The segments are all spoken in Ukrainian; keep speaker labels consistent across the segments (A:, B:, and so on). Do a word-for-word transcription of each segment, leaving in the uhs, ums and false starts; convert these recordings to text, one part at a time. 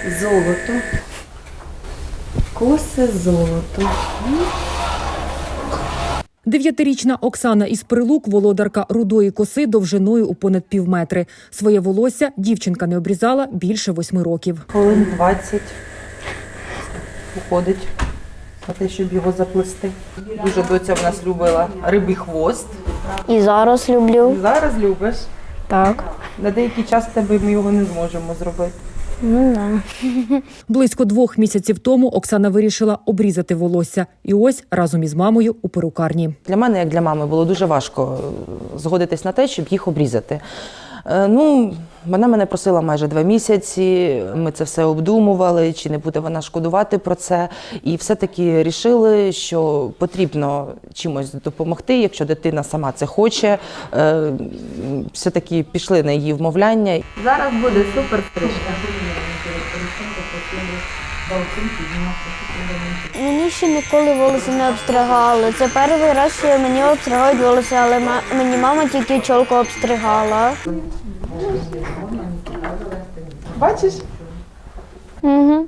A: Золото. Коси золото.
B: Дев'ятирічна Оксана із Прилук – володарка рудої коси довжиною у понад півметри. Своє волосся дівчинка не обрізала більше восьми років.
A: Хвилин двадцять уходить на те, щоб його заплести. Дуже доця в нас любила рибий хвост.
C: І зараз люблю.
A: Зараз любиш.
C: Так.
A: На деякий час в тебе ми його не зможемо зробити.
C: Ну, да.
B: Близько двох місяців тому Оксана вирішила обрізати волосся. І ось разом із мамою у перукарні.
D: Для мене, як для мами, було дуже важко згодитись на те, щоб їх обрізати. Е, Ну, вона мене просила майже два місяці, ми це все обдумували, чи не буде вона шкодувати про це. І все-таки рішили, що потрібно чимось допомогти, якщо дитина сама це хоче. Е, Все-таки пішли на її вмовляння.
A: Зараз буде супер стрижка.
C: Мені ще ніколи волосся не обстригали. Це перший раз, що мені обстригають волосся, але ма- мені мама тільки чолку обстригала.
A: Бачиш?
C: Угу.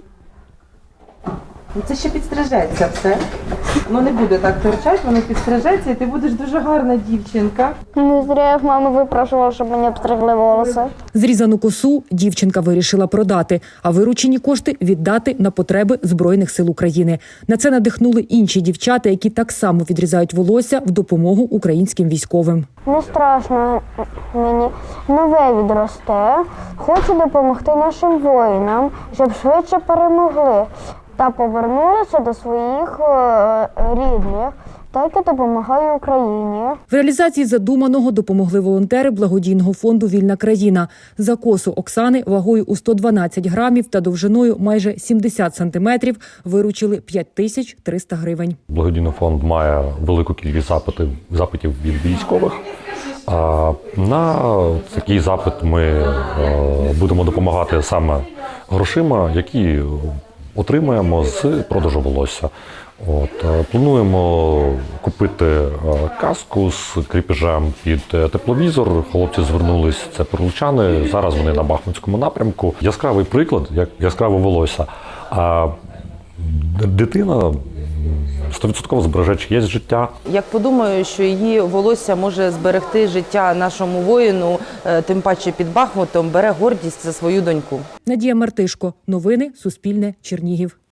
A: Ну, це ще підстрижеться все. Ну не буде так торчати, воно підстрижеться, і ти будеш дуже гарна дівчинка.
C: Не зря я в мами випрошувала, щоб мені обстригли волосся.
B: Зрізану косу дівчинка вирішила продати, а виручені кошти віддати на потреби Збройних сил України. На це надихнули інші дівчата, які так само відрізають волосся в допомогу українським військовим.
C: Не страшно мені. Нове відросте. Хочу допомогти нашим воїнам, щоб швидше перемогли та повернулися до своїх е, рідних. Так і допомагаю Україні.
B: В реалізації задуманого допомогли волонтери благодійного фонду «Вільна країна». За косу Оксани вагою у сто дванадцять грамів та довжиною майже сімдесят сантиметрів виручили п'ять тисяч триста гривень.
E: Благодійний фонд має велику кількість запитів, запитів від військових. А на такий запит ми е, будемо допомагати саме грошима, які отримаємо з продажу волосся. От, е, плануємо купити е, каску з кріпежем під е, тепловізор. Хлопці звернулись, це прилучани. Зараз вони на Бахмутському напрямку. Яскравий приклад, як яскраве волосся. А дитина сто відсотків збереже чиєсь життя.
D: Як подумаю, що її волосся може зберегти життя нашому воїну, е, тим паче під Бахмутом, бере гордість за свою доньку.
B: Надія Мартишко. Новини. Суспільне. Чернігів.